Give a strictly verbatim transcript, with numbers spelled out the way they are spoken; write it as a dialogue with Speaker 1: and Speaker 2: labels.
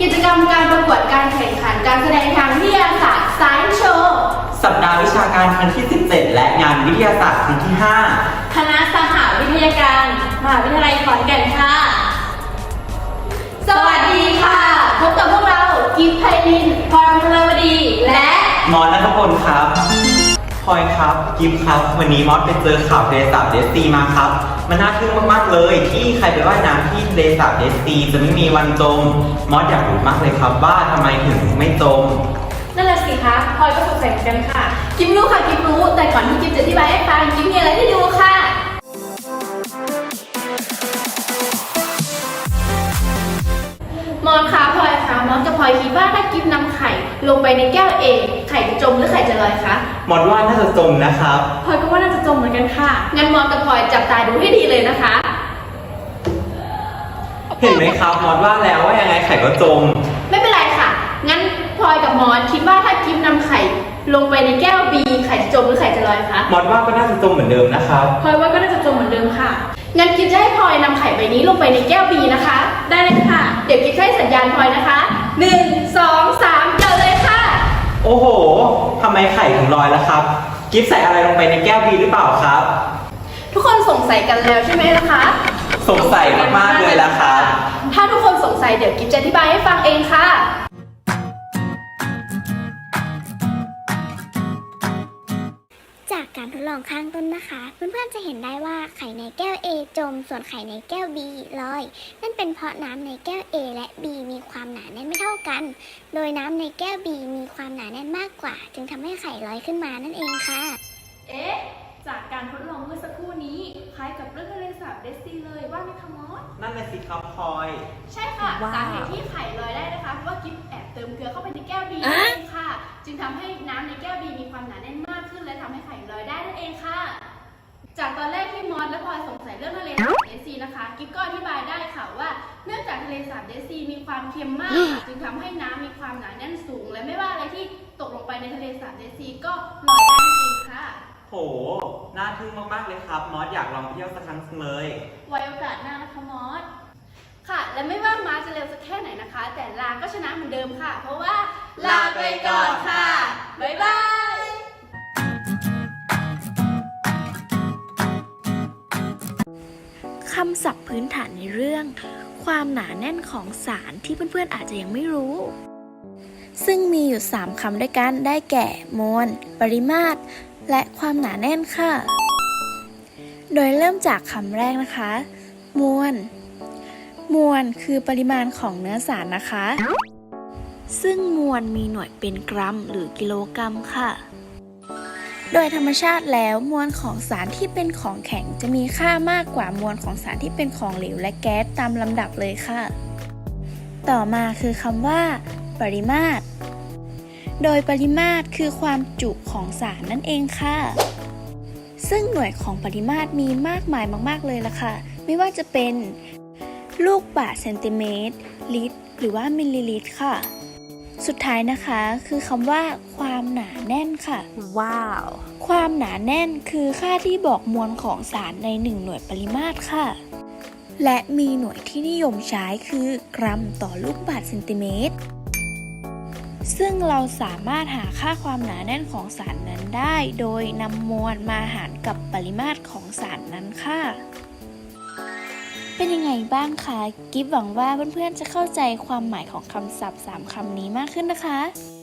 Speaker 1: กิจกรรมการประกวดการแข่งขันการแสดงทางวิทยาศาสตร์ Science Show
Speaker 2: สัปดาห์วิชาการครั้งที่สิบเจ็ดและงานวิทยาศาสตร์ครั้งที่ห้า
Speaker 1: คณะสหวิทยาการมหาวิทยาลัยขอนแก่นค่ะสวัสดีค่ะพบกับพวกเรากิฟต์ไพลินพรพลวดีและ
Speaker 2: มอสณัฐพลครับพลอยครับกิฟต์ครับวันนี้มอสไปเจอข่าวทะเลสาบเดสซีมาครับมันน่าทึ่งมากๆเลยที่ใครไปว่ายน้ำที่ทะเลสาบเดสซีจะไม่มีวันจมมอสอยากรู้มากเลยครับว่าทำไมถึงไม่จม
Speaker 1: นั่นแหละสิคะพลอยก็สงสัยเหมือนกันค่ะกิฟรู้ค่ะกิฟรู้แต่ก่อนที่กิฟจะอธิบายให้ฟังกิฟมีอะไรให้ดูค่ะมอนคะพลอยคะมอนกับพลอยคิดว่าถ้ากิฟนำไข่ลงไปในแก้วเองไข่จะจมหรือไข่จะลอยคะ
Speaker 2: มอนว่าน่าจะจมนะครับ
Speaker 1: พลอยก็ว่าน่าจะจมเหมือนกันค่ะงั้นมอนกับพลอยจับตาดูให้ดีเลยนะคะ
Speaker 2: เห็นไหมครับมอนว่าแล้วว่ายังไงไข่ก็จม
Speaker 1: ไม่เป็นไรค่ะงั้นพลอยกับมอนคิดว่าถ้ากิฟนำไข่ลงไปในแก้วบีไข่จะจมหรือไข่จะลอยคะ
Speaker 2: มอนว่าก็น่าจะจมเหมือนเดิมนะครับ
Speaker 1: พลอยว่าก็น่าจะจมเหมือนเดิมค่ะงั้นกิฟจะให้พลอยนำไข่ใบนี้ลงไปในแก้วบีนะคะได้เลยค่ะเดี๋ยวกิฟให้สัญญาณพลอยนะคะหนึ่งสองสามเจอเลยค่ะ
Speaker 2: โอ้โหทำไมไข่ถึงลอยล่ะครับกิฟใส่อะไรลงไปในแก้วบีหรือเปล่าครับ
Speaker 1: ทุกคนสงสัยกันแล้วใช่ไหมล่ะคะ
Speaker 2: สงสัยมากๆเลยล่ะครับ
Speaker 1: ถ้าทุกคนสงสัยเดี๋ยวกิฟจะอธิบายให้ฟังเองค่ะ
Speaker 3: จากการทดลองข้างต้นนะคะเพื่อนๆจะเห็นได้ว่าไข่ในแก้ว A จมส่วนไข่ในแก้ว B ลอยนั่นเป็นเพราะน้ำในแก้ว A และ B มีความหนาแน่นไม่เท่ากันโดยน้ำในแก้ว B มีความหนาแน่นมากกว่าจึงทำให้ไข่ลอยขึ้นมานั่นเองค่ะ
Speaker 1: เอ๊ะจากการทดลองเมื่อสักครู่นี้คล้ายกับเรื่องทะเลสาบเดสซีเลยว่าไหมคะมอส
Speaker 2: นั่นแหละสิครับพลอย
Speaker 1: ใช่ค่ะสาเหตุที่ไข่ลอยได้นะคะเพราะว่ากิฟแอบเติมเกลือเข้าไปในแก้ว B นั่นเองค่ะจึงทำให้น้ำในแก้ว B มีความหนาแน่นมากขึ้นและทำให้ไข่ลอยได้นั่นเองค่ะจากตอนแรกที่มอสและพลอยสงสัยเรื่องทะเลสาบเดสซีนะคะกิฟก็อธิบายได้ค่ะว่าเนื่องจากทะเลสาบเดสซีมีความเค็มมากจึงทำให้น้ำมีความหนาแน่นสูงและไม่ว่าอะไรที่ตกลงไปในทะเลสาบเดสซีก็ลอยได้นั่นเองค่ะ
Speaker 2: โหน่าทึ่งมากๆเลยครับมอสอยากลองไปเที่ยวสักครั้งเลย
Speaker 1: ไว้โอกาสหน้านะคะมอสค่ะและไม่ว่ามาจะเร็วสักแค่ไหนนะคะแต่ลาก็ชนะเหมือนเดิมค่ะเพราะว่าลาไปก่อนค่ะบ๊ายบาย
Speaker 4: คำศัพท์พื้นฐานในเรื่องความหนาแน่นของสารที่เพื่อนๆอาจจะยังไม่รู้ซึ่งมีอยู่สามคำด้วยกันได้แก่มวลปริมาตรและความหนาแน่นค่ะโดยเริ่มจากคำแรกนะคะมวลมวลคือปริมาณของเนื้อสารนะคะซึ่งมวลมีหน่วยเป็นกรัมหรือกิโลกรัมค่ะโดยธรรมชาติแล้วมวลของสารที่เป็นของแข็งจะมีค่ามากกว่ามวลของสารที่เป็นของเหลวและแก๊สตามลำดับเลยค่ะต่อมาคือคำว่าปริมาตรโดยปริมาตรคือความจุของสารนั่นเองค่ะซึ่งหน่วยของปริมาตรมีมากมายมากๆเลยล่ะค่ะไม่ว่าจะเป็นลูกบาศก์เซนติเมตรลิตรหรือว่ามิลลิลิตรค่ะสุดท้ายนะคะคือคำว่าความหนาแน่นค่ะ
Speaker 1: ว้าว
Speaker 4: ความหนาแน่นคือค่าที่บอกมวลของสารในหนึ่งหน่วยปริมาตรค่ะและมีหน่วยที่นิยมใช้คือกรัมต่อลูกบาศก์เซนติเมตรซึ่งเราสามารถหาค่าความหนาแน่นของสารนั้นได้โดยนำมวลมาหารกับปริมาตรของสารนั้นค่ะเป็นยังไงบ้างคะกิฟหวังว่าเพื่อนๆจะเข้าใจความหมายของคำศัพท์สามคำนี้มากขึ้นนะคะ